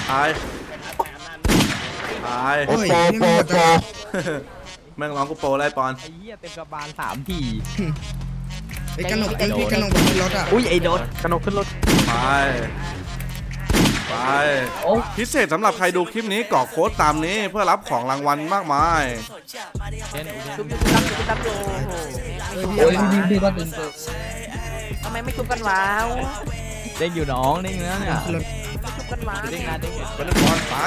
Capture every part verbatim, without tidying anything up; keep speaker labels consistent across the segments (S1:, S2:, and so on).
S1: ตายตาย
S2: โอ้ยนี่มันหมดจัง
S1: แม่งร้องกูโปรไล่ปอน
S3: ไอ้เหี้ยเต็มกระบาลสามที
S2: ไอ้กระหนกไอ้พี่กระหนกบนรถอ่ะ
S3: อุ้ยไอ้โดดกระนกขึ้นรถ
S1: ไปไป
S3: โอ้
S1: พิเศษสำหรับใครดูคลิปนี้กรอกโค้ดตามนี้เพื่อรับของรางวัลมากมาย
S3: เช่น
S4: ชุบชุบชุบชุบชุบชุบโอ้โห
S2: เฮ้ยพี่
S3: โอ้ย
S2: เอา
S3: พี่พี่ก็ตึง
S4: ทำไมไม่ชุบกันวะ
S3: เด้งอยู่น้องเด้งแล้วเนี่ย
S2: รถ
S4: ชุบกันวะ
S3: เด้งนะเด้ง
S1: ไปเล่นบอลไป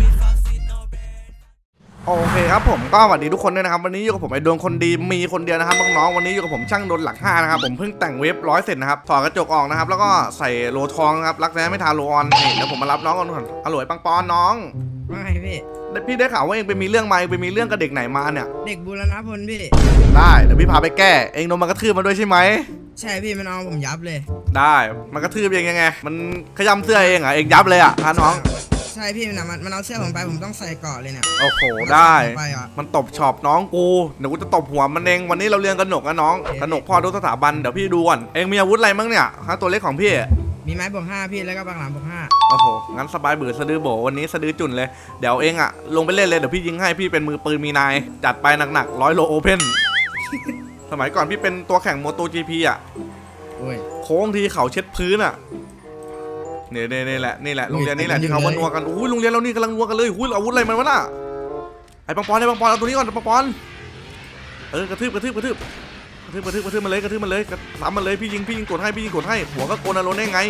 S1: โอเคครับผมก็สวัสดีทุกคนด้วยนะครับวันนี้อยู่กับผมไอ้ดวงคนดีมีคนเดียวนะครับน้องๆวันนี้อยู่กับผมช่างดนหลักห้านะครับผมเพิ่งแต่งเว็บร้อยเสร็จนะครับถอดกระจกออกนะครับแล้วก็ใส่โลทองนะครับรักแร้ไม่ทาโลออนนี่เดี๋ยวผมมารับน้องก่อนก่อนอร่อยปังปอนน้อง
S2: ไม่พี่
S1: พี่ได้ข่าวว่าเองไปมีเรื่องมาเองไปมีเรื่องกับเด็กไหนมาเนี่ย
S2: เด็กบูรณพลพี่
S1: ได้เดี๋ยวพี่พาไปแก้เองโดนมันกระทืบมาด้วยใช่ไหม
S2: ใช่พี่มันเอาผมยับเลย
S1: ได้มันกระทืบเองยังไงมันขย้ำเสื้อเองเหรอเองยับเลยอ่ะฮะน้อง
S2: ใช่พี่มันอะมันมันเอาเสื้อผมไปผมต้องใส่เกราะเลยเนี่ย
S1: โอ้โหได้
S2: ไปอ่ะ
S1: มันตบช็อปน้องกูเดี๋ยวกูจะตบหัวมันเองวันนี้เราเรียนกระหนกนะน้องกระหนกพ่อทุกสถาบันเดี๋ยวพี่ดูก่อนเองมีอาวุธอะไรมั้งเนี่ยฮะตัวเล็กของพี่
S2: มีไม้บวกห้าพี่แล้วก็บางหลังบวกห้า
S1: โอ้โหงั้นสบายเบื่อสะดือโบวันนี้สะดือจุ่นเลยเดี๋ยวเองอะลงไปเล่นเลยเดี๋ยวพี่ยิงให้พี่เป็นมือปืนมีนายจัดไปหนักๆร้อยโลโอเพนสมัยก่อนพี่เป็นตัวแข่งโมโตจีพีอะ
S2: โอ้ย
S1: โค้งทีเขาเช็ดพื้นอะเนี่ยเนี่ยนี่แหละนี่แหละโรงเรียนนี่แหละที่เขามานัวกันอุ้ยโรงเรียนเรานี่กำลังนัวกันเลยอุ้ยอาวุธอะไรมันวะน่ะไอ้ปังปอนไอ้ปังปอนเอาตัวนี้ก่อนปังปอนเออกระทืบกระทืบกระทืบกระทืบกระทืบกระทืบมันเลยกระทืบมันเลยกระทำมันเลยพี่ยิงพี่ยิงกดให้พี่ยิงกดให้หัวก็โกนอารมณ์ได้ไง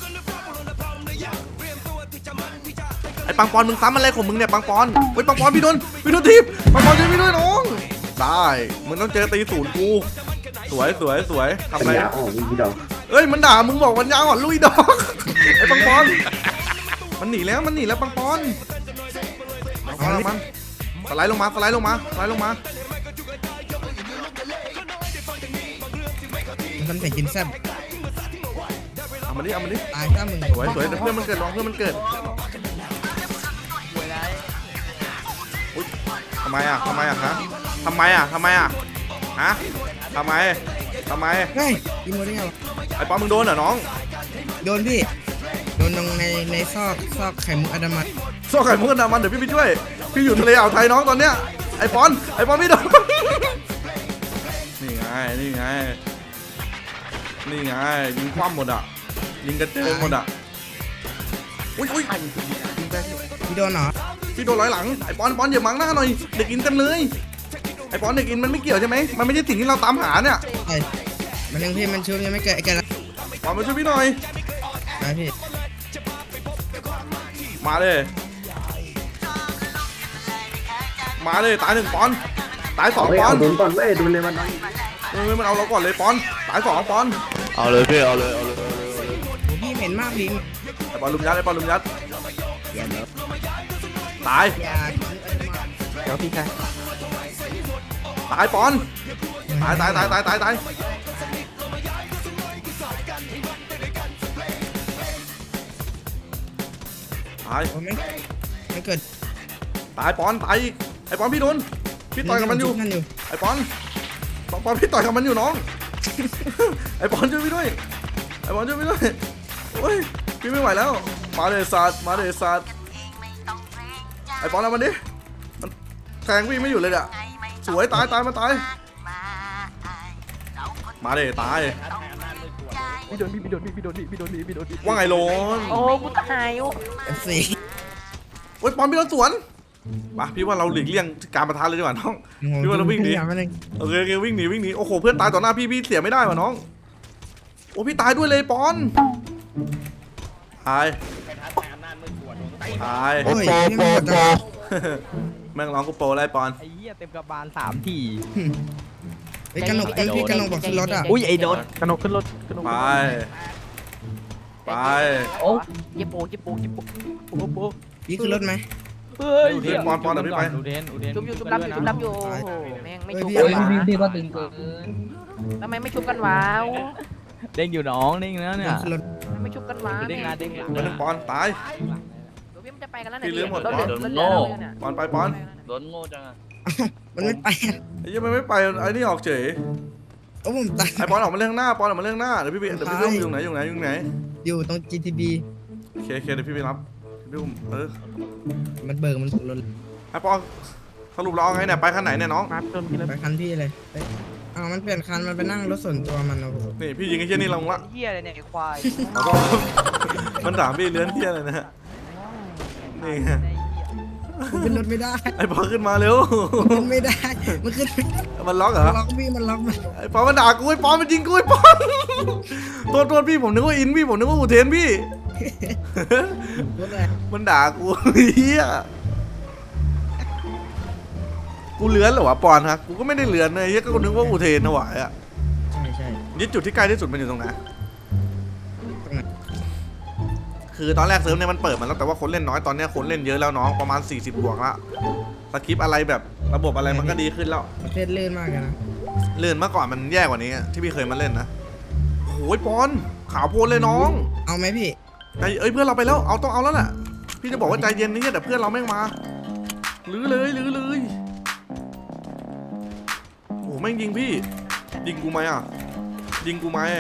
S1: ไอ้ปังปอนมึงซ้ำอะไรของมึงเนี่ยปังปอนเฮ้ยปังปอนพี่โดนพี่โดนทีบปังปอนช่วยพี่ด้วยน้องได้มึงต้องเจอตีศูนย์กูสวยสวยสวยทำอะไร
S5: ปัญญาอ่อนลุยดอก
S1: เอ้ยมันด่ามึงบอกวันยาวอ่อนลุยดอกไอ้ปังปอนมันหนีแล้วมันหนีแล้วปังปอนเอาละมันสไลด์ลงมาสไลด์ลงมาสไลด์ลงมา
S2: มันใส่กินแซ่บ
S1: เอามันดิเอามันดิ
S2: ตายถ้ามึง
S1: สวยสวยเดี๋ยวเพื่อนมันเกิดลองเพื่อนมันเกิดอุ๊ยทำไมอ่ะทำไมอ่ะฮะทำไมอ่ะทำไมอ่ะฮะทำไมทำไม
S2: เฮ้ยกินหมดได้ไงวะ
S1: ไอ้ปอนมึงโดนเหรอน้อง
S2: โดนพี่โดนตรงในในซอกซอกไข่มุกอนามัย
S1: โซ่ไข่มุกกันดามันเดี๋ยวพี่ไปช่วยพี่อยู่ทะเลอ่าวไทยน้องตอนเนี้ยไอ้ปอนไอ้ปอนไม่โดนนี่ไงนี่ไงนี่ไงยิงคว่ำหมดอ่ะยิงกระเจิงหมดอ่ะอุ้ยอุ้ยยิงไป
S2: พี่โดนเหรอ
S1: พี่โดนร้อยหลังไอ้ปอนปอนอย่ามังหน้าหน่อยเด็กอินเต็มเลยไอ้ปอนเด็กอินมันไม่เกี่ยวใช่ไหมมันไม่ใช่สิ่งที่เราตามหาเนี่ย
S2: ไอ้มันยังพี่มันชูยังไม่เกิดไอ้แกละ
S1: ปอนมาช่วยพี่หน่อย
S2: ไปพี่
S1: มาเลยมาเลยตายหนึ่งปอนตายสอง
S5: เฮ้ย
S1: ปอ
S5: เอา
S1: น
S5: โดนก่อนเว้ยโดนเลยมัน
S1: เออมันเอาเราก่อนเลยปอนตายสองปอน
S3: เอาเลยพี่เอาเลยเอาเลย
S2: โหพี่เหม็นมากพี่
S1: ไอ้ปอนลุมยัดไอ้ปอนลุมยัดตาย
S2: อย่ากินอนามัย
S3: เดี๋ยวพี่ชาย
S1: ตายปอนตายตายตายตายตายตายตาย
S2: โอ้ไม่ไม่เกิด
S1: ตายปอนตายอีกไอ้ปอนพี่โดนพี่ต่อยกับมันอยู่
S2: นั่นอยู่
S1: ไอ้ปอนปอนปอนพี่ต่อยกับมันอยู่น้อง ไอ้ปอนช่วยพี่ด้วยไอ้ปอนช่วยพี่ด้วยโอ้ยพี่ไม่ไหวแล้วมาเลยสัตว์มาเลยสัตว์ไอ้ปอนเอามันดิมันแทงพี่ไม่อยู่เลยอ่ะสวยตายตายมาตายมาเลยตาย
S3: พี่โดนพี่โดนพี่โดนพี่โดนพี่โดน
S1: ว่าไงโลน
S4: โอ้กูตายโอ้
S2: เอฟซี
S1: โอ้ยปอนพี่โดนสวนมาพี่ว่าเราหลีกเลี่ยงการประทะเลยดีกว่าน้อง พี่ว่าเราวิ่งหนี
S2: อย่ามาเลย
S1: โอเคโอเควิ่งหนีวิ่งหนีโอ้โหเพื่อนตายต่อหน้าพี่พี่เสียไม่ได้ว่ะน้องโอ้พี่ตายด้วยเลยปอนตายตาย
S2: โอ้ยนี่มันหมดจัง
S1: แม่งร้องกูโปรไล่ปอน
S3: ไอ้เหี้ยเต็มกระบาลสามที
S2: ไอ้กระหนกไอ้พี่กระหนกบอกขึ้นรถอ่ะ
S3: อุ้ยไอ้โดดกระนกขึ้นรถกระนก
S1: ไปไป
S3: โอ้
S4: เจ็บโปเจ็บโปเจ็บโป
S3: โอ้โห
S2: พี่ขึ้นรถไหม
S3: เฮ้ย
S1: อุเดนปอนปอนเดี๋ยวพี่ไป
S3: อุเดนอุเดน
S4: ชุบอยู่ชุบรับอยู่ชุบรับอยู่โอ้โหแม่งไม่ชุบ
S2: เฮ้
S4: กัน
S2: ย
S4: วะ
S2: พี่
S3: พี่ก็ตึงเกิน
S4: ทำไมไม่ชุบกันวะ
S3: เด้งอยู่น้องเด้งแล้วเนี่ย
S2: ขึ้นรถ
S4: ทำไมไม่ชุบกันวะ
S3: เด้งหน้าเด้งหลัง
S1: ไปหนึ่งปอนตาย
S4: เดี๋ยวพี่มันจะไปกันแล้วเนี่ย
S1: พี่ลืมหมด
S4: รถเหลือรถเหลือแล้วเนี่ย
S1: ปอนไปปอน
S3: โดนโง่จังอะ
S2: มันไม่ไปอะ
S1: ไอ้ยี่มันไม่ไปไอ้นี่ออกเฉย
S2: โอ้ผมตาย
S1: ไอ้ปอนออกมาเรื่องหน้าปอนออกมาเรื่องหน้าเดี๋ยวพี่ไปเดี๋ยวพี่เรื่องอยู่ไหนอยู่ไหนอยู่ไหน
S2: อยู่ตรง จี ที บี
S1: โอเคโอเคเดี๋ยวพี่ไปรับพี่อุ้มเออ
S2: มันเบิกมันรถ
S1: ไอ้ปอสรุปเราเอาไงเนี่ยไปคันไหนเนี่ยน้อง
S3: มาโดนพี่แล้ว
S2: ไปคันพี่เลยเอ้ยอ้าวมันเปลี่ยนคันมันไปนั่งรถส่วนตัวมันโอ้โห
S1: นี่พี่ยิงไอ้เชี่ยนี่ลงละ
S5: เหี้ยอะไรเนี่ยไอ้ควาย
S1: แล้วก็ มันถามพี่เลื้อนเที่ยอะไรนะฮะนี่ไง
S2: มันขึ้นรถไม่ได้
S1: ไอ้ปอขึ้นมาเร็ว
S2: มันขึ้นไม่ได้มันขึ้นไม่ได้
S1: มันล็อกเหร
S2: มัน
S1: อ
S2: ล็อกพี่มันล็อกมัน
S1: ไอ้ปอมันด่ากูไอ้ปอมันยิงกูไอ้ปอโทษโทษพี่ผมนึกว่าอินพี่ผมนึกว่าอุเทนพี่
S2: รถอะไร
S1: มันด่ากูเฮียกูเลื้อนเหรอวะปอนฮะกูก็ไม่ได้เลื้อนเลยเฮียก็นึกว่าอุเทนถวายอ่ะ
S2: ใช่ใช่
S1: นี่จุดที่ใกล้ที่สุดมันอยู่ตรงไหน
S2: ตรงไหน
S1: คือตอนแรกเซิร์ฟเนี่ยมันเปิดมาแล้วแต่ว่าคนเล่นน้อยตอนเนี้ยคนเล่นเยอะแล้วน้องประมาณสี่สิบบวกละสคริปต์อะไรแบบระบบอะไรมันก็ดีขึ้นแล้ว
S2: ประเทศลื่นมากเลยนะ
S1: เลื่อนเมื่อก่อนมันแย่กว่านี้ที่พี่เคยมาเล่นนะโอ้ยปอนขาวโพลนเลยน้อง
S2: เอาไหมพี่
S1: ใจเอ้ยเพื่อนเราไปแล้วเอาต้องเอาแล้วแหละพี่จะบอกว่าใจเย็นนี่แต่เพื่อนเราแม่งมาลื้อเลยลื้อเลยโอ้แม่งยิงพี่ยิงกูไหมอ่ะยิงกูไหม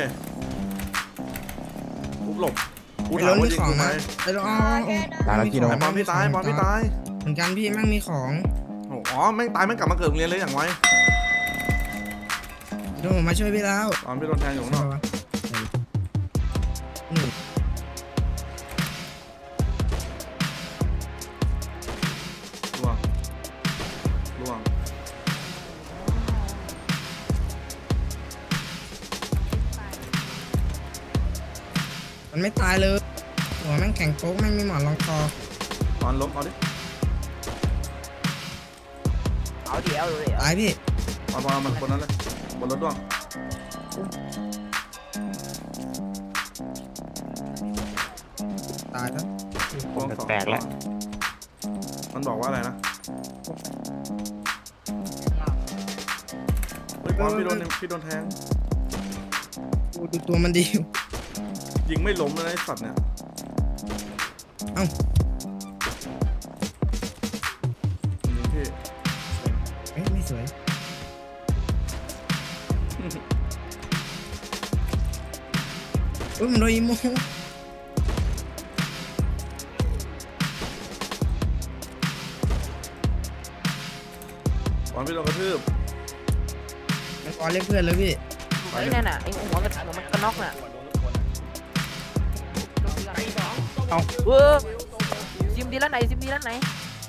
S1: กูหลบกู
S2: ไป
S1: ถาร ม
S2: ถ
S1: ว่า
S2: มี
S1: ยิง
S2: ของ
S1: กูไหม
S2: นะไปรถเอาเอาเอา
S3: ตายแล้วกี่โด
S1: ไอ้
S3: น
S1: ปอนพี่ตายปอนพี่ตาย
S2: เหมือนกันพี่แม่งมีของ
S1: โอ้อ๋อแม่งตายแม่งกลับมาเกิดโรงเรียนเลยอย่างไว
S2: เดี๋ยวผมมาช่วยพี่แล้ว
S1: ตอนพี่โดนแทงอยู่ข้างนอก
S2: อืม
S1: ล่วงล่วง
S2: มันไม่ตายเลยหัวแม่งแข็งโป๊กแม่งมีหมอนรองคอ
S1: ตอนล้มเอาดิ
S5: เอาดิเอาดิ
S2: ตายพี่
S1: ตอนพอมันบนนั้นเลยบนรถด้วง
S2: ตายแล้ว
S1: พวงสอง
S3: แปลกแล้ว
S1: มันบอกว่าอะไรนะเฮ้ยปอนพี่โดนพี่โดนแทง
S2: ดูดูตัวมันดี
S1: ยิงไม่ล้มเลยนะไอ้สัตว์เนี่ย
S2: เอ้า
S1: ยิงพี่
S2: เอ้ยไม่สวยอุ้ยมันโดนอีโม
S1: ปอนพี่โดนกระทืบ
S2: มันกอเรียกเพื่อนเลยพี่
S4: ไอ้นั่นน่ะไอ้หัวกระหัวมันกระนอกน่ะ
S3: เอา
S4: เออซิมดีแล้วไหนซิมดีแล้วไหน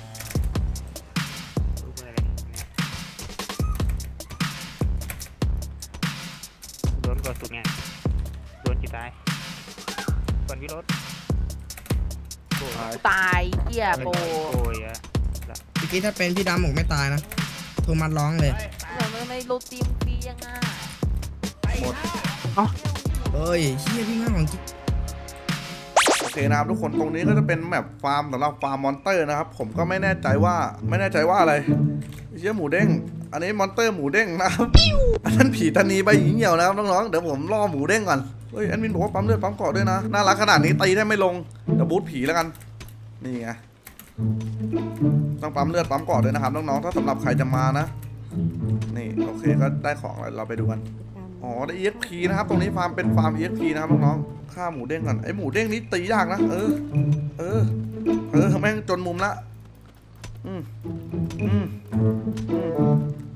S3: โดนกดสุดไงโดนกี่ตายก่อนพี่รถโอ้ย
S4: ตายเหี้ยโป
S3: โอ้ยอะ
S2: เมื่อกี้ถ้าเป็นพี่ดำหมกไม่ตายนะโทรมาร้องเลย
S4: ทำไมไม่โรตีมฟรียังอ่ะ
S1: หมด
S2: เอ้ยเฮียพี่มากของจริง
S1: โอเคนะครับทุกคนตรงนี้ก็จะเป็นแบบฟาร์มสำหรับฟาร์มมอนเตอร์นะครับผมก็ไม่แน่ใจว่าไม่แน่ใจว่าอะไรเชี่ยหมูเด้งอันนี้มอนเตอร์หมูเด้งนะครับอันนั้นผีตานีใบหญิงเหี่ยวนะครับน้องๆเดี๋ยวผมล่อหมูเด้งก่อนเฮ้ยแอดมินบอกว่าปั๊มเลือดปั๊มเกาะด้วยนะน่ารักขนาดนี้ตีได้ไม่ลงเดี๋ยวบูทผีแล้วกันนี่ไงต้องปั๊มเลือดปั๊มเกาะด้วยนะครับน้องๆถ้าสำหรับใครจะมานะนี่โอเคก็ได้ของแล้วเราไปดูกันอ๋อได้ อี เอ็กซ์ พี นะครับตรงนี้ฟาร์มเป็นฟาร์ม อี เอ็กซ์ พี นะครับน้องๆฆ่าหมูเด้งก่อนไอหมูเด้งนี้ตียากนะเออเออเออแม่งจนมุมละอืมอืมอืม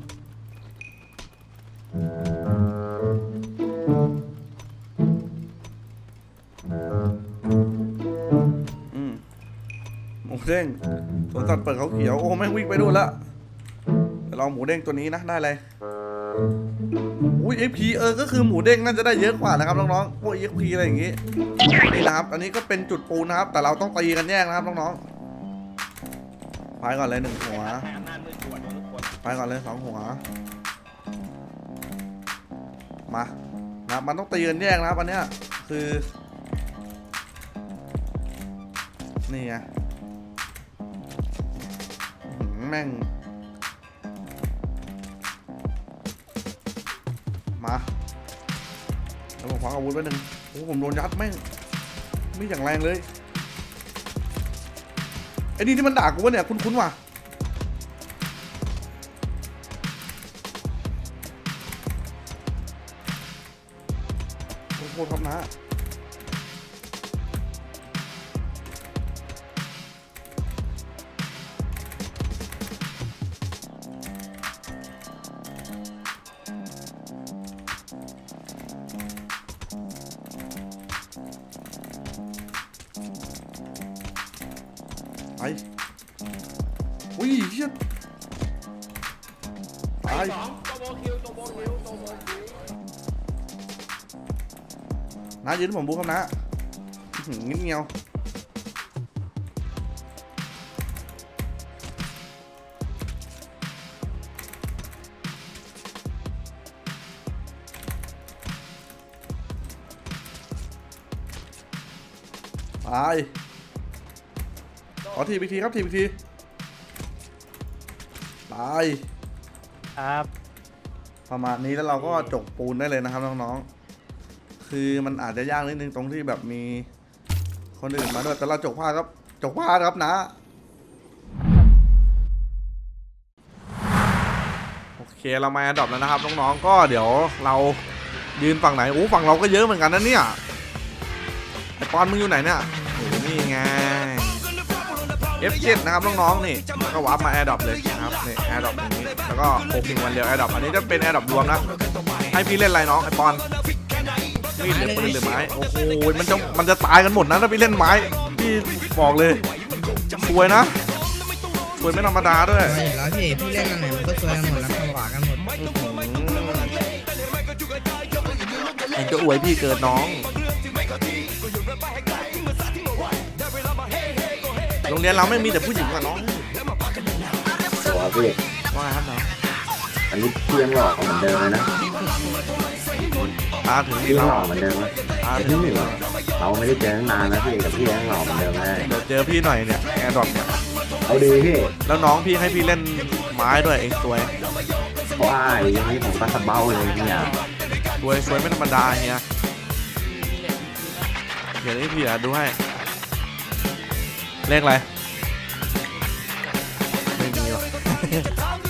S1: อืมหมูเด้งสวนสัตว์เปิดเขาเขียวโอ้แม่งวิ่งไปดูนละเดี๋ยวลองหมูเด้งตัวนี้นะได้เลยอุ้ย เอ็กซ์ พี เออก็คือหมูเด้งน่าจะได้เยอะกว่านะครับน้องๆพวก เอ็กซ์ พี อะไรอย่างงี้นี่นะครับอันนี้ก็เป็นจุดปูนะครับแต่เราต้องตีกันแยกนะครับน้องๆไปก่อนเลยหนึ่งหัวไปก่อนเลยสองหัวมานะมันต้องตีกันแยกนะครับอันเนี้ยคือนี่ไงอื้อหือแม่งมาแล้วผมคว้าอาวุธไว้หนึ่งโอ้ผมโดนยัดแม่งไม่อย่างแรงเลยไอ้นี่ที่มันด่ากูวะเนี่ยคุ้นๆว่ะโคตรครับนะอุ้ยเฮียตายน้ายืนผมบูครับนะเงี้ยเงี้ยวตายขอทีอีกทีครับทีอีกทีตาย
S3: ครับ
S1: ประมาณนี้แล้วเราก็จกปูนได้เลยนะครับน้องๆคือมันอาจจะยากนิดนึงตรงที่แบบมีคนอื่นมาด้วยแต่เราจกผ้าครับจกผ้าครับนะโอเคเรามาแอดดอปแล้วนะครับน้องๆก็เดี๋ยวเรายืนฝั่งไหนโอ้ฝั่งเราก็เยอะเหมือนกันนะเนี่ยไอปอนมึงอยู่ไหนเนี่ยโอ้นี่ไง เอฟ เจ็ด นะครับน้องๆนี่ก็วาร์ปมาแอร์ดรอปเลยนะครับนี่แอร์ดรอปอย่างนี้แล้วก็โคพิงวันเดียวแอร์ดรอปอันนี้จะเป็นแอร์ดรอปรวมนะให้พี่เล่นอะไรน้องไอปอนมีดหรือปืนหรือไม้โอ้โหมันจะมันจะตายกันหมดนะถ้าพี่เล่นไม้พี่บอกเลยสวยนะสวยไม่ธรรมดาด้วย
S2: สวยอยู่แล้วพี่พี่เล่นอันไหนมันก็สวยกันหมดแล้วผวากันหมด
S1: เองก็อวยพี่เกิดน้องโรงเรียนเราไม่มีแต่ผู้หญิงอะน้อง
S6: สวัสดี
S1: ว่าครับน้อง
S6: อันนี้พี่ยังหล่อเหมือนเดิมเลยนะ
S1: ตาถึง
S6: พี่
S1: นี่
S6: ยัง
S1: เรา
S6: หล่อเหมือนเดิมเลย
S1: ตา
S6: แต่
S1: ถึ
S6: พี่
S1: ง
S6: ไม่
S1: นี่
S6: หล่
S1: เรา
S6: อเราไม่ได้เจอตั้งนานแล้วพี่แต่พี่ยังหล่อเหมือนเดิมเลย
S1: เดี๋ยวเจอพี่หน่อยเนี่ยแอร์ดรอปเนี่ย
S6: เอาดีพี่
S1: แล้วน้องพี่ให้พี่เล่นไม้ด้วยเองสวย
S6: ว้ายอย่างนี้ผมก็สะเบ้าเลยเนี่ย
S1: สวยสวยไม่ธรรมดาเฮียเดี๋ยวนี้พี่อ่ะดูให้เลขอะไรไม่มีหรอก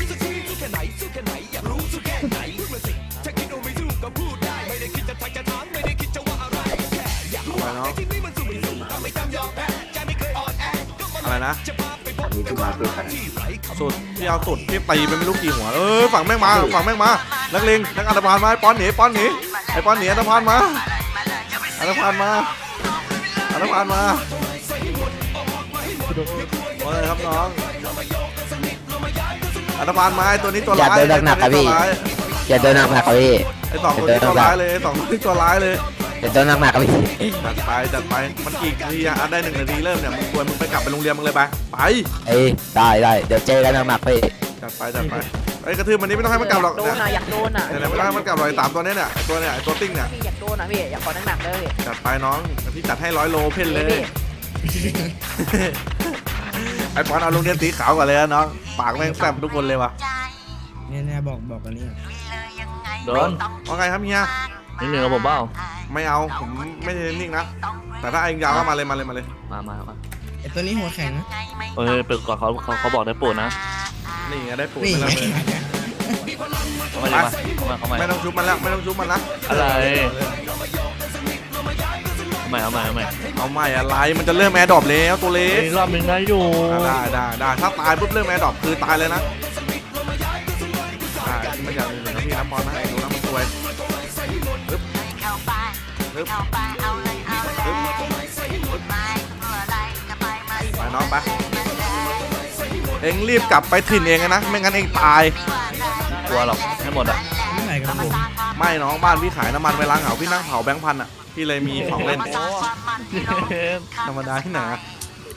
S1: อะไรเนาะอะไรนะ
S6: อันนี้พี่มาเพื่อกัน
S1: สุดพี่เอาสุดพี่ตีไปไม่รู้กี่หัวเออฝั่งแม่งมาฝั่งแม่งมานักเลงนักอันธพาลมาไอ้ป้อนหนีป้อนหนีไอ้ป้อนหนีอันธพาลมาอันธพาลมาอันธพาลมาว่าไงครับน้องอันธพาลมาไอ้ตัวนี้ตัวร้าย
S7: อย่าเดินหนักๆครับพี่ อย่าเดินหนักๆครับพี่
S1: ไอ้สองตัวนี้ตัวร้ายเลยไอ้สองตัวนี้ตัวร้ายเลย
S7: อย่าเดินหนักๆครับพี่
S1: จัดไปจัดไปมันกี่นาทีอะได้หนึ่งนาทีเริ่มเนี่ยมึงควรมึงไปกลับไปโรงเรียนมึงเลยไปไป
S7: เอ้ยได้ได้เดี๋ยวเจอกันหนักๆพี่
S1: จัดไปจัดไปไอ้กระทืบมันนี้ไม่ต้องให้มันกลับหรอก
S4: โด
S1: เนี่ย
S4: นอ่ะอยากโดนอ่ะ
S1: เนี่ยไม่ต้องให้มันกลับหรอกไอ้สามตัวเนี้ยเนี่ยไอ้ตัวเนี่ยไอ้ตัวติ้งเนี่ย
S4: พี่อยากโดนอ่ะพี่อยากขอหนักๆเลยพี่
S1: จัดไปน้องพี่จัดให้ร้อยโลเพ่นเลย ไอ้ปอนเอาโรงเรียนสีขาวก่อนเลยนะน้องปากแม่งแซ่บทุกคนเลยว่ะ
S2: เนี่ยเนี่ยบอกบอกอันนี้
S8: โดน
S1: ว่าไงครับเฮีย
S8: นิดนึงกับผมเปล่า
S1: ไม่เอาผมไม่ใช่นิ่งนะแต่ถ้าเองยาวก็มาเลยมาเลยมาเลย
S8: มามามา
S2: ไอตัวนี้หัวแข็งนะ
S8: เออเปิดก่อนเขาเขาเขาบอกได้โปรดนะ
S1: นี่ไงได้ปูน
S2: นี่
S1: ไปแล้ว
S2: ไง
S1: เลย
S8: เขามาเลยมาเขามาเขามา
S1: ไม่ต้องชุบมันแล้วไม่ต้องชุบมันนะ
S8: อะไรเอาใหม่เอาใหม่เอาใหม่
S1: เอาใหม่อะไรมันจะเริ่มแอร์ดรอปแล้วตัวเล็ก
S8: อีกรอบหนึงได้อยู่
S1: อ่ะได้ได้ได้ถ้าตายปุ๊บเริ่มแอร์ดรอปคือตายเลยนะได้ไม่อยากเลยนะพี่น้ำบอลนะไอ้ดูน้ำมันสวยปึ๊บปึ๊บปึ๊บปึ๊บไปน้องไปเอ็งรีบกลับไปถิ่นเองนะไม่งั้นเองตาย
S8: กลัวหรอกให้หมดอ่ะ
S2: ไม่ไหนครับผม
S1: ไม่น้องบ้านพี่ขายน้ำมันเวลาเหงาพี่นั่งเผาแบงค์พันอ่ะพี่เลยมีของเล่นธรรมดาที่ไหนอะ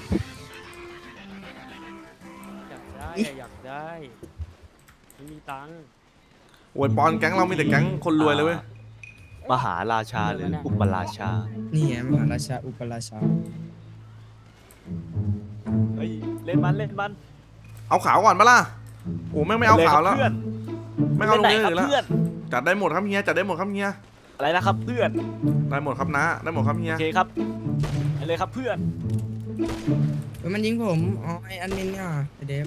S3: อยากได้ไม่มีตังค์
S1: โอ้ยปอนแก๊งเรามีแต่แก๊งคนรวยเลยเว้ย
S8: มหาราชาหรืออุปราชา
S2: นี่ไงมหาราชาอุปราชา
S3: เฮ้ยเล่นมันเล่นมัน
S1: เอาขาวก่อนปะล่ะโอ้แม่งไม่เอาขาวแล้ว
S3: เพื่อน
S1: ไม่เอาลงเยอะ
S3: ครั
S1: อื่นแล้ว
S3: เพื่อน
S1: จัดได้หมดครับเฮียจัดได้หมดครับเฮีย
S3: อะไรนะครับเพื่อน
S1: ได้หมดครับนะได้หมดครับเฮีย
S3: โอเคครับไปเลยครับเพื่อน
S2: เฮ้ยมันยิงผมอ๋อไออันมินเนี่ยไอเดฟ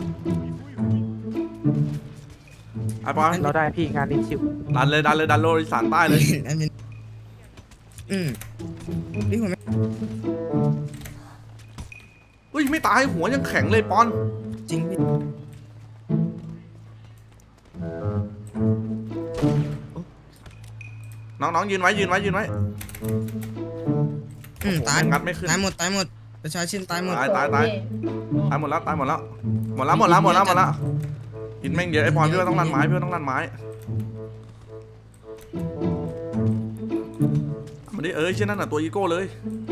S1: ไอ้ปอน
S3: เราได้พี่งานนี้ชิว
S1: ดันเลยดันเลยดันโลอีสานใต้เลย
S2: อันมินอืมพี่ผมไม่
S1: เฮ้ยไม่ตายหัวยังแข็งเลยปอน
S2: จริงพี่
S1: น้องๆยืนไว้ยืนไว้ยืนไว้
S2: อืมตาย
S1: งัดไม่ขึ้น
S2: ตายหมดตายหมดประชาชนตายหมด
S1: ตายตายตายตายหมดแล้วตายหมดแล้วหมดแล้วหมดแล้วหมดแล้วหมดแล้วหินแม่งเยอะไอ้พรพี่ว่าต้องลั่นไม้พี่ว่าต้องลั่นไม้มันนี่เอ้ยเช่นนั้นน่ะตัวอีโก้เลย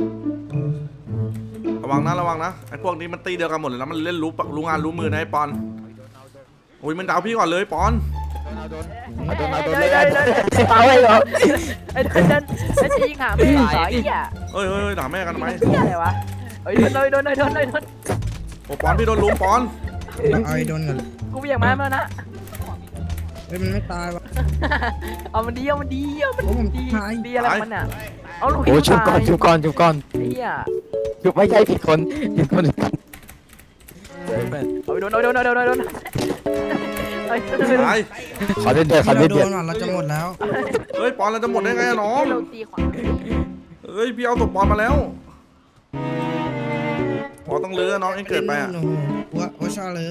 S1: ระวังนะระวังนะไอ้พวกนี้มันตีเดียวกันหมดเลยนะมันเล่นรู้รู้งานรู้มือนะไอ้ปอนโอ้ยมันดาวพี่ก่อนเลยปอน
S7: เอาโดนเอาโดน
S4: เดิ
S7: เล
S4: น
S7: ย
S4: เดินเดิน
S7: เอาเลยเหรอ
S4: ไอ้เดินเดินไอ้จะยิงหาไม่ได้สายอ่ะ
S1: เอ้ยเอ้ยด่าแม่กันทำไม
S4: เหี้ยอะไรวะเฮ้ยโดนโดนโดนโดนโดนโดน
S1: โอ้ปอนพี่โดนลุมปอน
S2: เอาไอ้โดนก่อน
S4: กูเบี่ยงมาแล้วนะ
S2: เฮ้ยมันไม่ตายวะ
S4: เอามันดีเอามันดีเอามัน
S2: โอ้ผม
S4: ดี
S2: ตาย
S4: ดีอะไรของมันอ่ะเอาลูก
S7: โอ้ชุบก่อนชุบก่อนชุบก่อน
S4: ไอ้เหี้ย
S7: ชุบไม่ใช่ผิดคนผิดคน
S4: เอาไปโดนโดนโดนโดนโดนโดนไอ้
S1: ตาย
S7: ขอเดือดเดือดขอ
S2: ที่
S7: เดือ
S2: เรา
S7: ด
S2: โด
S7: เดือด
S2: นว่ะเราจะหมดแล้ว
S1: เฮ้ยปอนเราจะหมดได้ไงอะน้อง
S4: เราตีขวา
S1: เฮ้ยพี่เอาตบปอนมาแล้วปอนต้องเลือน้องเองเกิดไปอะ
S2: โอ้โหวัววัวชาเลย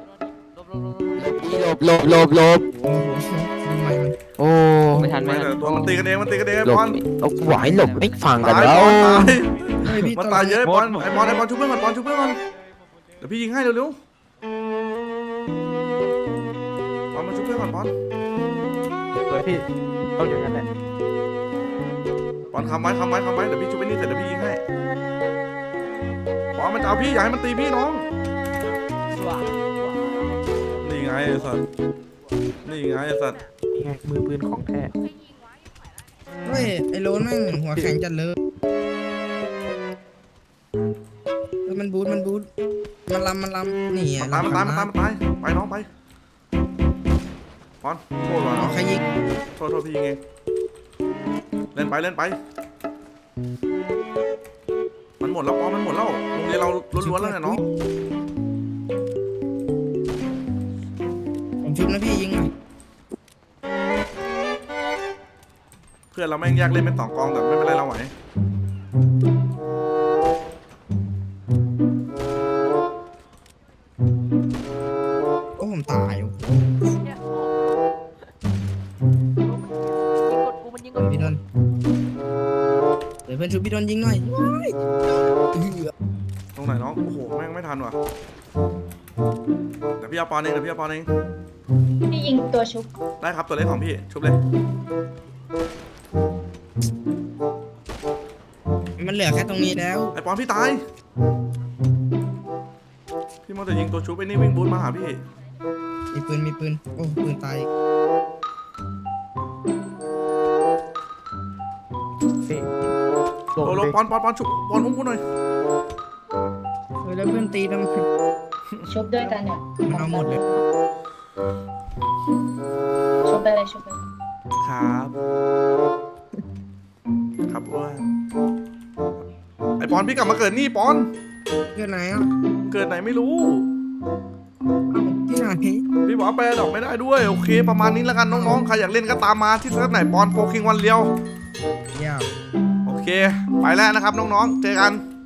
S7: หลบหลบหลบหลบ
S2: โอ้โหทำไมมัน
S7: โอ้
S8: ไม่ทันไม่ทัน
S1: ตัวมันตีกันเองมันตีกันเอง
S7: หล
S1: ป
S7: บ
S1: อน
S7: เอาหวายหลบไม่ฟังกัน
S1: ตาย
S7: แล้
S1: ป
S7: ว
S1: อนตาย
S2: เฮ้ยพี่
S1: มัน
S2: ตัว
S1: ตายเยอะ
S2: อะไร
S1: ปอนไอปอนไอปอนชุบเพื่อนก่อนปอนชุบเพื่อนก่อนเดี๋ยวพี่ยิงให้เร็วๆปอนมาชุบเพื่อนก่อนปอน
S3: เฮ้ยพี่ต้องอย่างนั้นแหละ
S1: ปอนคำไว้คำไว้คำไว้เดี๋ยวพี่ชุบไปนี่เสร็จเดี๋ยวพี่ยิงให้ปอนมันจะเอาพี่อย่าให้มันตีพี่น้องนี่ไงไอ้สัตว์นี่ไงไอ้สัตว์
S3: นี่ไงมือปืนของแท้
S2: เฮ้ยไอ้โลนแม่งหัวแข็งจัดเลยเฮ้ยมันบูทมันบูทมันลำมันลำนี่
S1: มันตายมันตายมันตายมันตายไปน้องไปปอนโทษว่ะน้อง
S2: ใครยิง
S1: โทษโทษพี่ยิงเองเล่นไปเล่นไปมันหมดแล้วปอนมันหมดแล้วโรงเรียนเราล้วนๆแล้วเนี่ยน้อง
S2: ผมชุบนะพี่ยิงหน่อย
S1: เพื่อนเราแม่งแยกเล่นเป็นสองกองแต่ไม่เป็นไรเราไหว
S2: โอ้ผมตายอยู่
S4: ยิงกดกูมันยิงกด
S2: พี่โดนเดี๋ยวเพื่อนชุบพี่โดนยิงหน่อยว้ายเอื้อ
S1: ตรงไหนน้องโอ้โหแม่งไม่ทันว่ะเดี๋ยวพี่เอาปอนเองเดี๋ยวพี่เอาปอนเอง
S9: พี่ยิงตัวชุบ
S1: ได้ครับตัวเล็กของพี่ชุบเลย
S2: มันเหลือแค่ตรงนี้แล้ว
S1: ไอปอนพี่ตายพี่มัวแต่ยิงตัวชุบไอ้นี่วิ่งบูทมาหาพี่
S2: มีปืนมีปืนโอ้ปืนตายอีก
S3: พี่โด
S1: โอ้
S3: น
S1: โห
S3: เลย
S1: ปอนปอนปอนชุบปอนอุ้มกูหน่อย
S2: เฮ้ยแล้วเพื่อนตีทำไม
S9: ชุบด้วยกันเนี่ย
S2: มันเอาหมดเลย
S9: ชุบไปเลยชุบไปเลย
S1: ครับครับอ้วนไอปอนพี่กลับมาเกิดนี่ปอน
S2: เกิดไหนอ่ะ
S1: เกิดไหนไม่รู้
S2: เอ้าที่ไหน
S1: พี่บอกว่าไปดอกไม่ได้ด้วยโอเคประมาณนี้แล้วกันน้องๆใครอยากเล่นก็ตามมาที่เซิร์ฟไหนปอนโฟคิงวันเลียว
S2: เยี่ยม
S1: โอเค ไปแล้วนะครับน้องๆ เจอกัน